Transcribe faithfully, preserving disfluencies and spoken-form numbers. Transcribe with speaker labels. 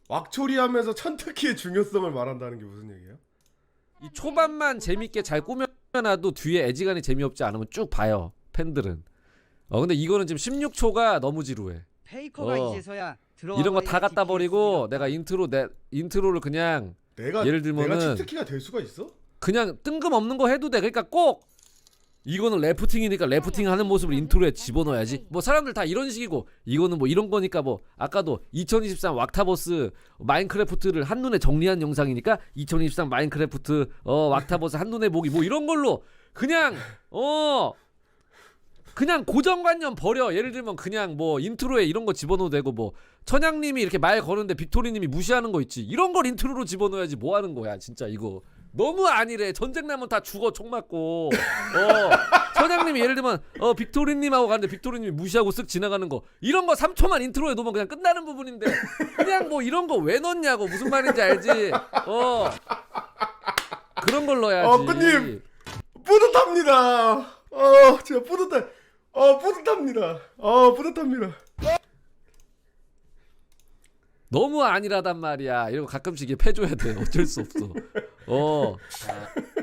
Speaker 1: 왁초리하면서 천특기의 중요성을 말한다는 게 무슨 얘기예요?
Speaker 2: 이 초반만 재밌게 잘 꾸며놔도 뒤에 애지간히 재미없지 않으면 쭉 봐요 팬들은. 어 근데 이거는 지금 십육 초가 너무 지루해.
Speaker 3: 페이커가
Speaker 2: 어.
Speaker 3: 이제서야
Speaker 2: 이런 거 다 갖다 버리고 내가 인트로 내 인트로를 그냥
Speaker 1: 내가
Speaker 2: 예를 들면은
Speaker 1: 내가 치트키가 될 수가 있어?
Speaker 2: 그냥 뜬금없는 거 해도 돼. 그러니까 꼭 이거는 래프팅이니까 래프팅 하는 모습을 인트로에 집어넣어야지. 뭐 사람들 다 이런 식이고 이거는 뭐 이런 거니까 뭐 아까도 이천이십삼 왁타버스 마인크래프트를 한눈에 정리한 영상이니까 이천이십삼 마인크래프트 어 왁타버스 한눈에 보기 뭐 이런 걸로 그냥 어 그냥 고정관념 버려. 예를 들면 그냥 뭐 인트로에 이런 거 집어넣어도 되고 뭐 천양님이 이렇게 말 거는데 빅토리님이 무시하는 거 있지. 이런 걸 인트로로 집어넣어야지. 뭐 하는 거야 진짜 이거. 너무 아니래. 전쟁 나면 다 죽어 총 맞고. 어 천양님이 예를 들면 어 빅토리님하고 가는데 빅토리님이 무시하고 쓱 지나가는 거 이런 거 삼 초만 인트로에 넣으면 그냥 끝나는 부분인데 그냥 뭐 이런 거 왜 넣냐고. 무슨 말인지 알지. 어 그런 걸 넣어야지.
Speaker 1: 어 끝님 뿌듯합니다. 어 진짜 뿌듯해. 어 뿌듯합니다. 어 뿌듯합니다.
Speaker 2: 너무 아니라단 말이야. 이런 거 가끔씩 이게 패줘야 돼. 어쩔 수 없어. 어.